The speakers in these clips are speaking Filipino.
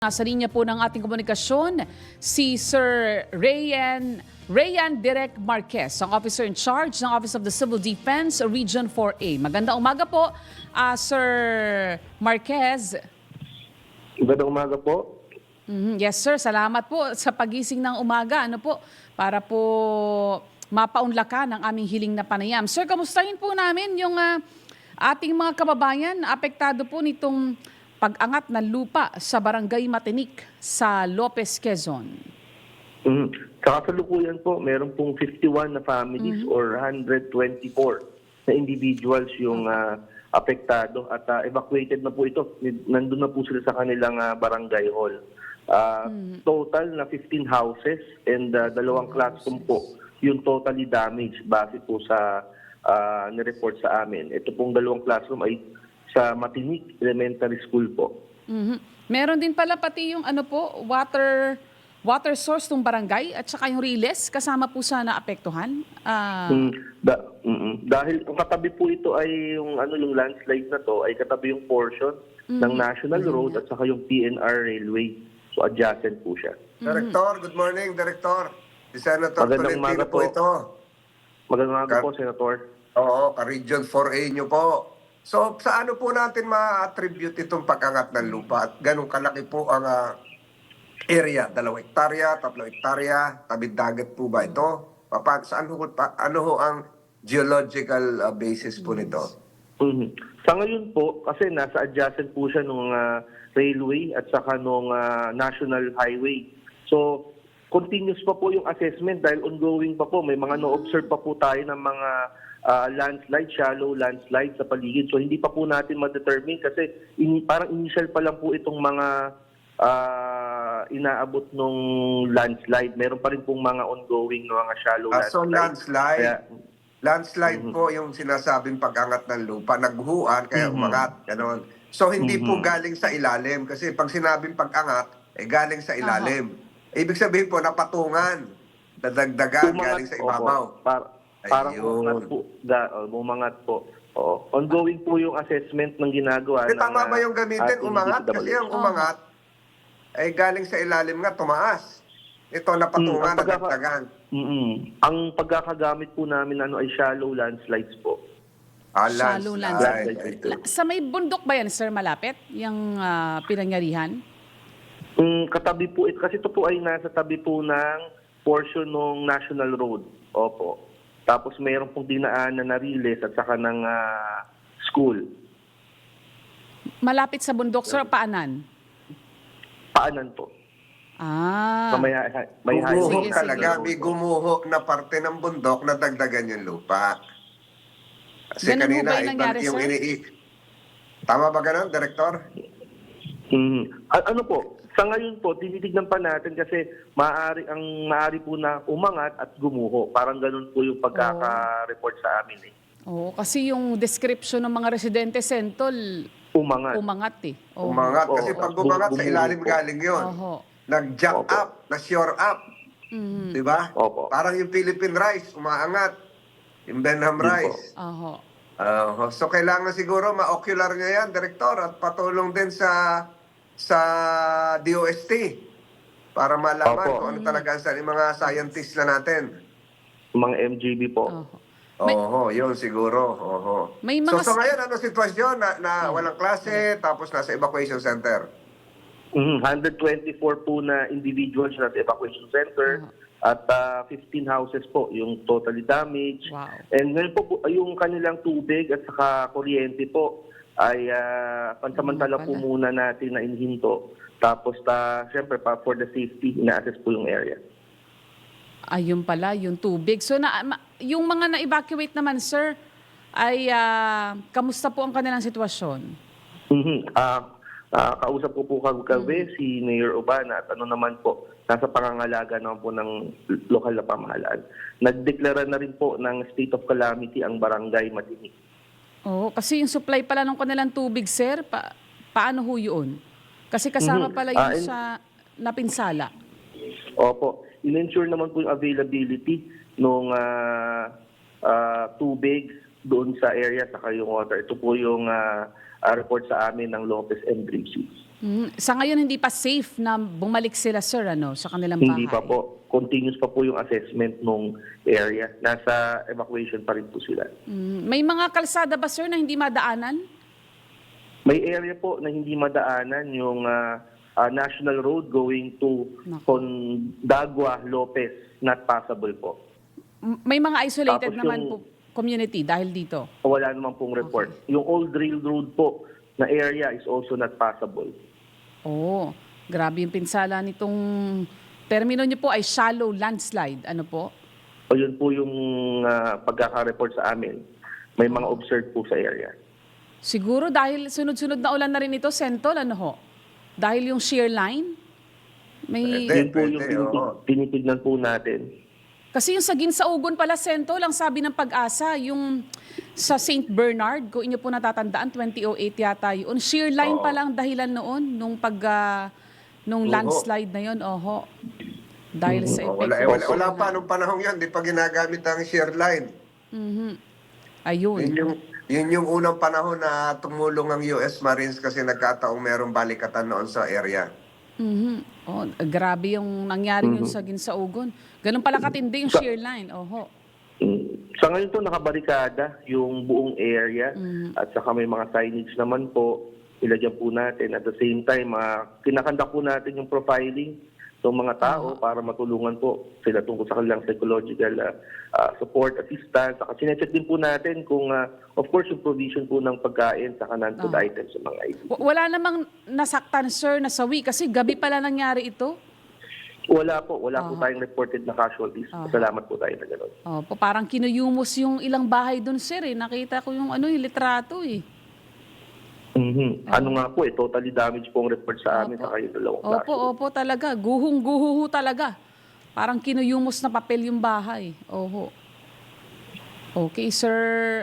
Nasa linya po ng ating komunikasyon si Sir Rayan Direk Marquez, ang Officer in Charge ng Office of the Civil Defense Region 4A. Magandang umaga po, Sir Marquez. Magandang umaga po. Yes sir, salamat po sa pagising ng umaga. Para po mapaunlakan ang aming hiling na panayam. Sir, kamustahin po namin yung ating mga kababayan na apektado po nitong pag-angat ng lupa sa Barangay Matinik sa Lopez, Quezon. Sa kasalukuyan po, meron pong 51 na families or 124 na individuals yung apektado at evacuated na po ito. Nandun na po sila sa kanilang barangay hall. Total na 15 houses and dalawang classroom po yung totally damaged base po sa nireport sa amin. Ito pong dalawang classroom ay sa Matinik Elementary School po. Meron din pala pati yung water source ng barangay at saka yung riles kasama po sa naapektuhan. Dahil ang katabi po ito ay yung landslide na to ay katabi yung portion ng National Road at saka yung PNR Railway. So adjacent po siya. Director, good morning, Director. Si Senator Magandang umaga Tolentino po ito. Magandang umaga po, Senator. Oo, ka-Region 4A nyo po. So, sa ano po natin ma-attribute itong pag-angat ng lupa? At ganun kalaki po ang area? 2 hektarya, 3 hektarya, tabing dagat po ba ito? Ano ho ang geological basis po nito? Sa ngayon po, kasi nasa adjacent po siya nung railway at saka nung national highway. So, continuous pa po yung assessment dahil ongoing pa po. May mga no-observe pa po tayo ng mga landslide, shallow landslide sa paligid. So hindi pa po natin ma-determine kasi parang initial pa lang po itong mga inaabot nung landslide. Meron pa rin pong mga ongoing na mga shallow landslide. So landslide po yung sinasabing pag-angat ng lupa. Naghuan, kaya umangat. Ganon. So hindi po galing sa ilalim. Kasi pag sinabing pag-angat, galing sa ilalim. Ibig sabihin po, napatungan. Dadagdagan galing sa ibabaw. Parang umangat po. Oo. Ongoing po yung assessment ng ginagawa. Tama ba yung gamitin, umangat? Kasi ang umangat, ay galing sa ilalim nga, tumaas. Ito, napatungan, nadagdagan. Ang pagkakagamit po namin ay shallow landslides po. Shallow landslide. Sa may bundok ba yan, sir, malapit? Yung pinangyarihan? Katabi po ito. Kasi ito po ay nasa tabi po ng portion ng National Road. Opo. Tapos mayroon pong dinaanan na riles at saka ng school. Malapit sa bundok, sir, paanan? Paanan po. May Gumuho highway talaga. May gumuho na parte ng bundok na dagdagan yung lupa. Kasi ganun kanina, ba yung nangyari, yung sir? Tama ba ganun, Director? Ano po? Sa ngayon po, tinitignan pa natin kasi maaari po na umangat at gumuho. Parang ganun po yung pagkaka-report sa amin eh. Oo, kasi yung description ng mga residente Sentol, umangat eh. Umangat. Kasi pag umangat, sa ilalim galing yun. Nag-jump up, na-shore up. Diba? Parang yung Philippine rice, umaangat. Yung Benham rice. So kailangan siguro ma-ocular niya yan, Director, at patulong din sa DOST para malaman kung ano talaga sa mga scientists na natin. Mga MGB po. Yun siguro. So ngayon, ano sitwasyon na walang klase, tapos nasa evacuation center? 124 po na individuals nasa evacuation center at 15 houses po yung totally damaged. Wow. And ngayon po yung kanilang tubig at saka kuryente po ay pansamantala po muna natin na inhinto. Tapos siyempre for the safety, ina-assess po yung area. Ayun pala, yung tubig. So yung mga na-evacuate naman, sir, ay kamusta po ang kanilang sitwasyon? Kausap ko po kagabi si Mayor Urbana at naman po, nasa pangangalaga naman po ng lokal na pamahalaan. Nagdeklara na rin po ng state of calamity ang Barangay Matinik. Kasi yung supply pala ng kanilang tubig, sir, paano ho yun? Kasi kasama pala yun sa napinsala. Opo. In-ensure naman po yung availability ng tubig doon sa area sa yung water. Ito po yung report sa amin ng Lopez and Gracie. Sa ngayon, hindi pa safe na bumalik sila, sir, sa kanilang bahay? Hindi pa po. Continuous pa po yung assessment ng area. Nasa evacuation pa rin po sila. May mga kalsada ba, sir, na hindi madaanan? May area po na hindi madaanan yung National Road going to Condagua, Lopez. Not passable po. May mga isolated Tapos naman yung- po community dahil dito? Wala naman pong report. Yung Old Railroad po na area is also not passable. Oh, grabe yung pinsala nitong termino niyo po ay shallow landslide. Ano po? O yun po yung pagkaka-report sa amin. May mga observed po sa area. Siguro dahil sunod-sunod na ulan na rin ito, Sentol, ano ho? Dahil yung shear line? May... Pwede. Yun po yung oo. tinitignan po natin. Kasi yung sa Ginsaugon pala, Sentol, ang sabi ng Pag-asa, yung sa St. Bernard, kung inyo po natatandaan, 2008 yata yun. Shear line Oo. pa lang dahilan noon, nung landslide na yun, oho. Dahil sa Oh, epekto. wala pa nung panahon yan, di pa ginagamit ang shear line. Ayun. Yun yung unang panahon na tumulong ang US Marines kasi nagkataong merong balikatan noon sa area. Oh, grabe yung nangyari yun sa Ginsaugon. Ganun pala katindi yung shear line, oho. Sa ngayon to nakabarikada yung buong area at saka may mga signage naman po. Ilagyan po natin. At the same time, kinakanda po natin yung profiling ng mga tao para matulungan po sila tungkol sa kanilang psychological support, assistance. Saka sinecheck din po natin kung, of course, yung provision po ng pagkain sa non-food items sa mga items. Wala namang nasaktan, sir, nasawi kasi gabi pala nangyari ito. Wala po tayong reported na casualties. Salamat po tayo na gano'n. Opo, parang kinuyumos yung ilang bahay doon, sir. Nakita ko yung yung litrato eh. Ano nga po, totally damage po ang report sa amin sa kayo dalawang klase. Opo, talaga. Guhong-guho talaga. Parang kinuyumos na papel yung bahay. Oho. Okay, sir.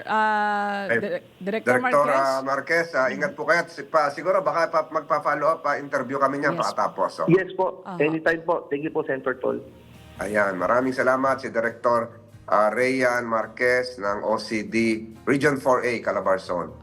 Director Marquez. Marquez, ingat po kayo. Siguro baka magpa-follow up, interview kami niya pakatapos. Oh. Yes po, anytime po. Thank you po, Senator Tol. Ayan, maraming salamat si Director Rayan Marquez ng OCD Region 4A, Calabarzon.